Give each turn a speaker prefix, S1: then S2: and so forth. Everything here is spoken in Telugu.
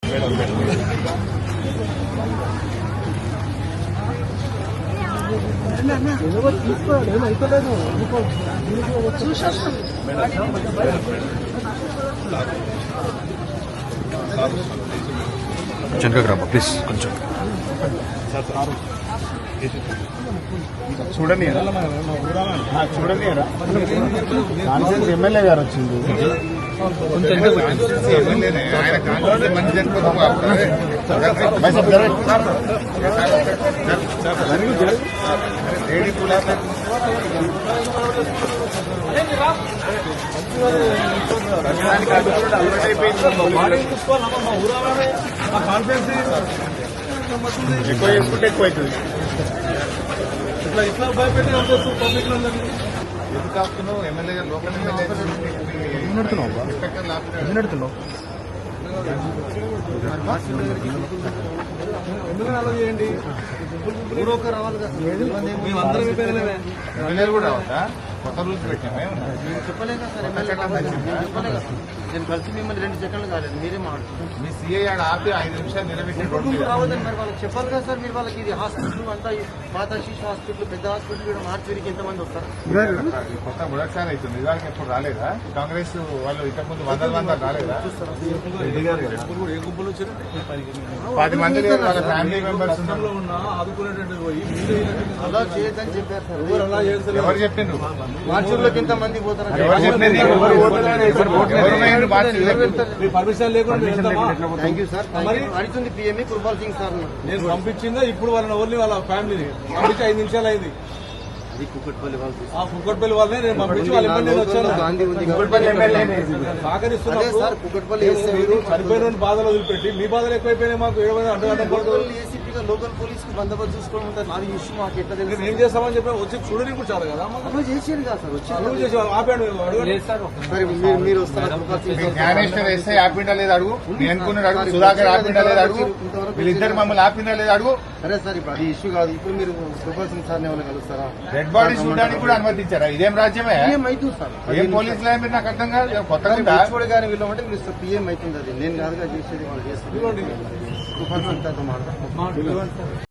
S1: తీసుకోండి ఏమైతలేదు
S2: కొంచెం గ్రామ ప్లీజ్ కొంచెం
S1: చూడండి చూడండి ఎమ్మెల్యే గారు వచ్చింది ఎక్కువ చేసుకుంటే ఎక్కువ అవుతుంది ఇట్లా భయపెట్టి పబ్లిక్ ఎందుకు కాస్తున్నావు ఎమ్మెల్యే గారు లోకల్ ఎమ్మెల్యే నడుతున్నావు ఎందుకు అలా చేయండి ఊరొక రావాలి కదా మేమందరం ఎమ్మెల్యేలు కూడా రావద్దా కొత్త రూల్స్ పెట్టామే చెప్పలేదు సార్ ఎమ్మెల్యే చెప్పలేదు నేను కలిసి మిమ్మల్ని 2 సెకండ్లు కాలేదు మీరే మాట్లాడుతున్నారు మీ సీఐ ఆడ ఆపి 5 నిమిషాలు నిలబెట్టి రావద్దని మరి వాళ్ళకి చెప్పాలి కదా సార్ మీరు వాళ్ళకి ఇది హాస్పిటల్ అంతా పాత శిశు హాస్పిటల్ పెద్ద హాస్పిటల్ కూడా మార్చిరికి ఎంతమంది వస్తారు కొత్త బుడసారి అవుతుంది ఇవాళ ఎప్పుడు రాలేదా కాంగ్రెస్ వాళ్ళు ఇంతకుముందు 100 రాలేదా 10 మంది వాళ్ళ ఫ్యామిలీ మెంబర్స్ అలా చేయొద్దని చెప్పారు సార్ ఎవరు చెప్పిండ్రు మార్చుల్లోకి ఎంత మంది పోతారు పర్మిషన్ లేకుండా థ్యాంక్ యూ సార్ అడుగుతుంది పిఎంఈ కుర్బాల్ సింగ్ సార్ నేను పంపించిందా ఇప్పుడు వాళ్ళని ఓన్లీ వాళ్ళ ఫ్యామిలీని పంపించి 5 నిమిషాలు అయింది కుక్కట్పల్లి వాళ్ళనే నేను పంపించి వాళ్ళ ఎమ్మెల్యే వచ్చాను సహకరిస్తున్నారు మీరు చనిపోయిన బాధలు వదిలిపెట్టి మీ బాధలు ఎక్కువైపోయినాయి మాకు ఏసీపీగా లోకల్ పోలీస్ కి బందోబస్తు చూసుకోవడం ఉంటుంది నాది ఇష్యూ మాకు ఎట్లా తెలుసు ఏం చేస్తామని చెప్పి వచ్చి చూడని కూడా చాలు కదా చేసేది కదా సార్ వచ్చి ఆపాడు మీరు వస్తారు జ్ఞానేశ్వర్ ఎస్ఐ ఆపిండా లేదు అడుగు అనుకున్నాడు అడుగు సుధాకర్ ఆపిండా లేదు అడుగు వీళ్ళిద్దరు మమ్మల్ని ఆపిండా లేదు అడుగు సరే సార్ ఇప్పుడు అది ఇష్యూ కాదు ఇప్పుడు మీరు కుర్బాల్ సింగ్ సార్ ఎవరు కలుస్తారా డెడ్ బాడీ చూడడానికి కూడా అనుమతించారా ఇదేం రాజ్యమే ఏమైతుంది సార్ ఏం పోలీసులు మీరు నాకు అర్థం కాదు కొత్తగా గానీ వీళ్ళమంటే మీరు పిఎం అవుతుంది అది నేను కాదుగా చేసేది వాళ్ళు చేస్తారు